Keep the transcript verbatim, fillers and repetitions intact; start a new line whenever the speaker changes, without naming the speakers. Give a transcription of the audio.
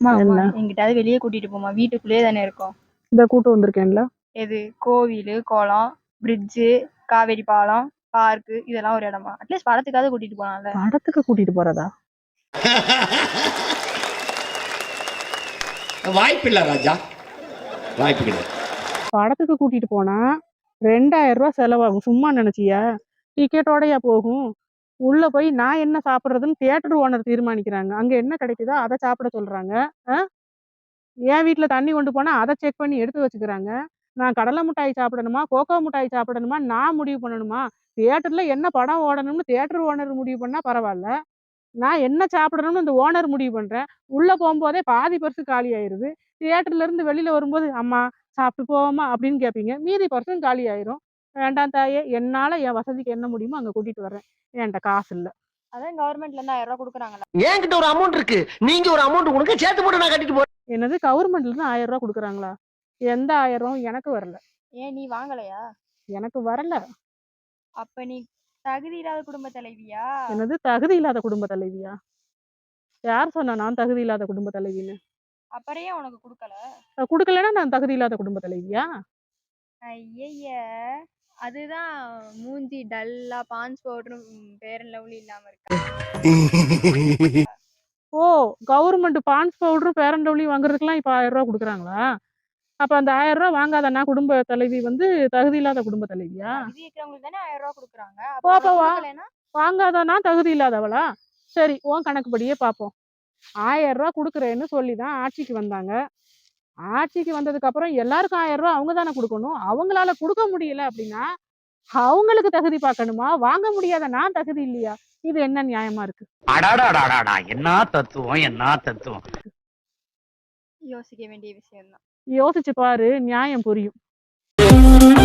என்ன
எங்கிட்டாவது வெளியே கூட்டிட்டு போமா, வீட்டுக்குள்ளேயே தானே இருக்கோம்.
இந்த கூட்டு வந்திருக்கேன்ல.
எது? கோவில், குளம், பிரிட்ஜு, காவேரி பாலம், பார்க்கு, இதெல்லாம் ஒரு இடமா? அட்லீஸ்ட் படத்துக்காவது கூட்டிட்டு போனால.
படத்துக்கு கூட்டிட்டு போறதா?
வாய்ப்பு இல்ல ராஜா, வாய்ப்பு கிடையாது.
படத்துக்கு கூட்டிட்டு போனா ரெண்டாயிரம் ரூபாய் செலவாகும். சும்மா நினைச்சியா? டிக்கெட்டோடயா போகும்? உள்ள போய் நான் என்ன சாப்பிட்றதுன்னு தியேட்டர் ஓனர் தீர்மானிக்கிறாங்க. அங்க என்ன கிடைக்குதோ அதை சாப்பிட சொல்றாங்க. என் வீட்டுல தண்ணி கொண்டு போனா அதை செக் பண்ணி எடுத்து வச்சுக்கிறாங்க. நான் கடலை மிட்டாய் சாப்பிடணுமா, கோகோ மிட்டாய் சாப்பிடணுமா நான் முடிவு பண்ணணுமா? தியேட்டர்ல என்ன படம் ஓடணும்னு தியேட்டர் ஓனர் முடிவு பண்ணா பரவாயில்ல, நான் என்ன சாப்பிடணும்னு இந்த ஓனர் முடிவு பண்றேன். உள்ள போகும்போதே பாதி பர்சு காலி ஆயிருது. தியேட்டர்ல இருந்து வெளியில வரும்போது அம்மா சாப்பிட்டு போவோமா அப்படின்னு கேட்பீங்க, மீதி பர்சன் காலி ஆயிரும். வேண்டாம் தாயே, என்னால என் வசதிக்கு என்ன முடியுமோ அங்க கூட்டிட்டு வர்றேன். என்கிட்ட காசு இல்ல.
அதான் கவர்மெண்ட்ல இருந்து ஆயிரம் ரூபாய் கொடுக்குறாங்களா?
என்கிட்ட ஒரு அமௌண்ட் இருக்கு, நீங்க ஒரு அமௌண்ட் கொடுங்க, சேர்த்து போட்டு நான் கட்டிட்டு போறேன்.
என்னது? கவர்மெண்ட்ல இருந்து ஆயிரம் ரூபாய் கொடுக்குறாங்களா? எந்த ஆயிரம் எனக்கு வரல.
ஏன் நீ வாங்கலையா?
எனக்கு வரல.
அப்ப நீ தகுதி இல்லாத குடும்ப தலைவியா?
என்னது தகுதி இல்லாத குடும்ப தலைவியா? யார் சொன்னா நான் தகுதி இல்லாத குடும்ப தலைவின்னு?
அப்புறம் ஏன் உனக்கு கொடுக்கல?
கொடுக்கலன்னா நான் தகுதி இல்லாத குடும்ப தலைவியா?
ஐய, அதுதான் மூஞ்சி டல்லா பான்ஸ் பவுடரும் பேரன் லவ்லி இல்லாம இருக்கு.
ஓ, கவர்மெண்ட் பான்ஸ் பவுடரும் பேரன் லவ்லி வாங்குறதுக்குலாம் இப்ப ஆயிரம் ரூபாய் கொடுக்குறாங்களா? அப்ப அந்த ஆயிரம் ரூபாய் வாங்காதனா குடும்ப தலைவி வந்து தகுதி இல்லாத குடும்ப தலைவியா?
ஆயிரம் ரூபாய் கொடுக்குறாங்க.
வாங்காதனா தகுதி இல்லாதவளா? சரி, உன் கணக்குப்படியே பார்ப்போம். ஆயிரம் ரூபாய் கொடுக்குறேன்னு சொல்லிதான் ஆட்சிக்கு வந்தாங்க. ஆட்சிக்கு வந்ததுக்கு அப்புறம் எல்லாருக்கும் ஆயிரம் ரூபாய் அவங்க தானே கொடுக்கணும். அவங்களால கொடுக்க முடியல அப்படின்னா அவங்களுக்கு தகுதி பார்க்கணுமா? வாங்க முடியாத நான் தகுதி இல்லையா? இது என்ன நியாயமா இருக்கு?
என்ன தத்துவம், என்ன தத்துவம்.
யோசிக்க வேண்டிய விஷயம் தான்.
யோசிச்சு பாரு, நியாயம் புரியும்.